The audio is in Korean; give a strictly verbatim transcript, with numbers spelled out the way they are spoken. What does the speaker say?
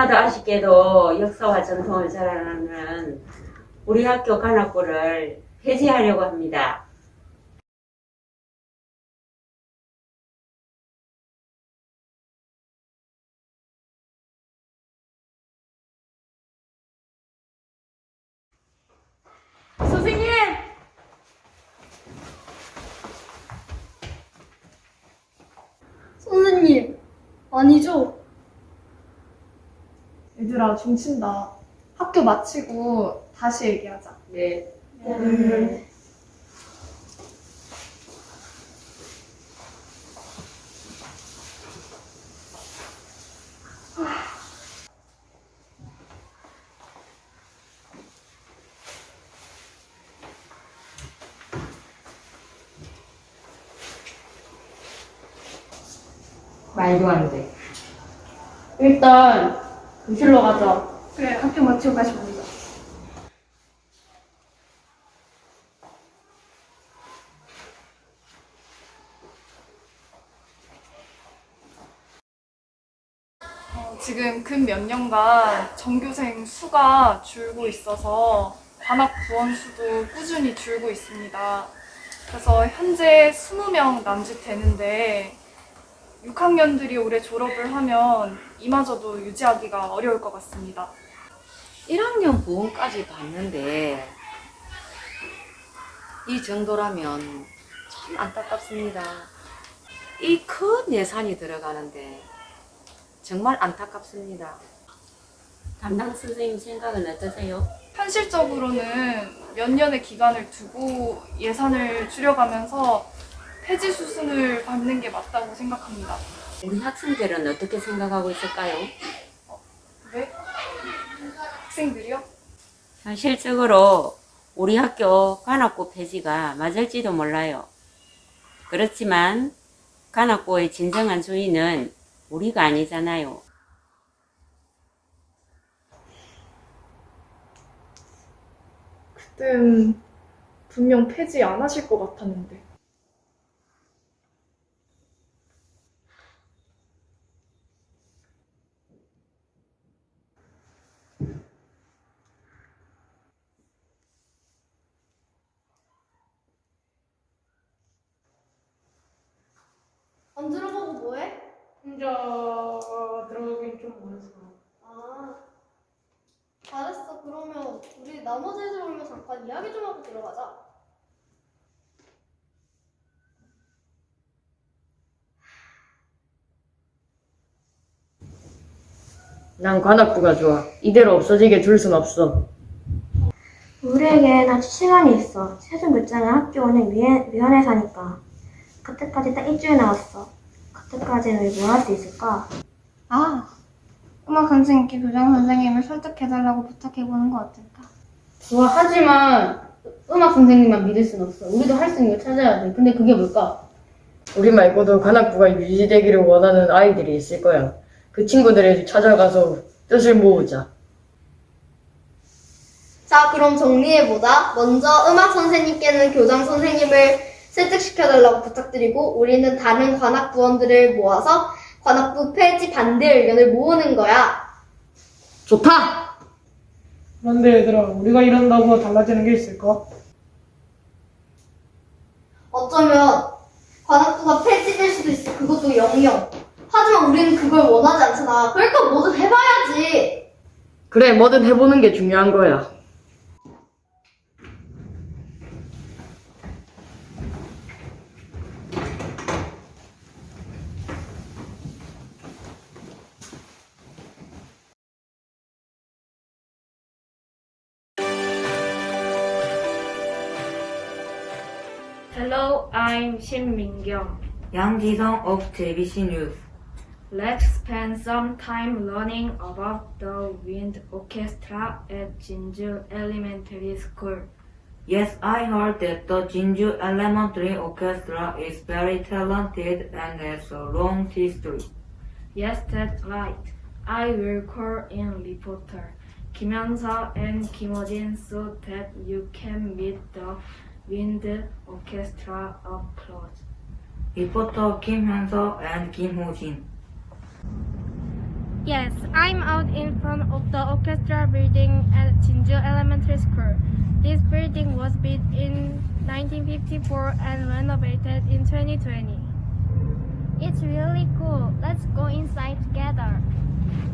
너무나도 아쉽게도 역사와 전통을 자랑하는 우리 학교 관악부를 폐지하려고 합니다. 선생님! 선생님, 아니죠? 얘들아, 중친다. 학교 마치고 다시 얘기하자. 네. 네. 말도 안 돼. 일단 교실로 가자. 그래, 학교 마치고 다시 보자. 어, 지금 근 몇 년간 전교생 수가 줄고 있어서 관악 부원 수도 꾸준히 줄고 있습니다. 그래서 현재 이십 명 남짓 되는데 육 학년들이 올해 졸업을 하면 이마저도 유지하기가 어려울 것 같습니다. 일 학년 부원까지 봤는데 이 정도라면 참 안타깝습니다. 이 큰 예산이 들어가는데 정말 안타깝습니다. 담당 선생님 생각은 어떠세요? 현실적으로는 몇 년의 기간을 두고 예산을 줄여가면서 폐지 수순을 밟는 게 맞다고 생각합니다. 우리 학생들은 어떻게 생각하고 있을까요? 네? 학생들이요? 현실적으로 우리 학교 관악고 폐지가 맞을지도 몰라요. 그렇지만 관악고의 진정한 주인은 우리가 아니잖아요. 그땐 분명 폐지 안 하실 것 같았는데. 안 들어가고 뭐해? 혼자 들어가긴 좀 어려서. 아, 잘했어. 그러면 우리 나머지 애들 오면 잠깐 이야기 좀 하고 들어가자. 난 관악부가 좋아. 이대로 없어지게 둘 순 없어. 우리에겐 아직 시간이 있어. 최종 결정은 학교 운영 위원- 위원회사니까. 그때까지 딱 일주일 남았어. 그때까지는 우리 뭘 할 수 있을까? 아, 음악 선생님께 교장 선생님을 설득해달라고 부탁해보는 거 어떨까? 좋아, 하지만 음악 선생님만 믿을 순 없어. 우리도 할 수 있는 걸 찾아야 돼. 근데 그게 뭘까? 우리 말고도 관악부가 유지되기를 원하는 아이들이 있을 거야. 그 친구들을 찾아가서 뜻을 모으자. 자, 그럼 정리해보자. 먼저 음악 선생님께는 교장 선생님을 설득시켜달라고 부탁드리고 우리는 다른 관악 부원들을 모아서 관악부 폐지 반대 의견을 모으는 거야. 좋다! 그런데 얘들아, 우리가 이런다고 달라지는 게 있을까? 어쩌면 관악부가 폐지될 수도 있어. 그것도 영영. 하지만 우리는 그걸 원하지 않잖아. 그러니까 뭐든 해봐야지. 그래, 뭐든 해보는 게 중요한 거야. Hello, I'm Shin Mingyong. 양지성 of 제이비씨 News. Let's spend some time learning about the wind orchestra at Jinju Elementary School. Yes, I heard that the Jinju Elementary Orchestra is very talented and has a long history. Yes, that's right. I will call in reporter Kim Hyun-seo and Kim Ho-jin so that you can meet the wind orchestra up close. Reporter Kim Hyun-seo and Kim Ho-jin. Yes, I'm out in front of the orchestra building at Jinju Elementary School. This building was built in nineteen fifty-four and renovated in twenty twenty. It's really cool. Let's go inside together.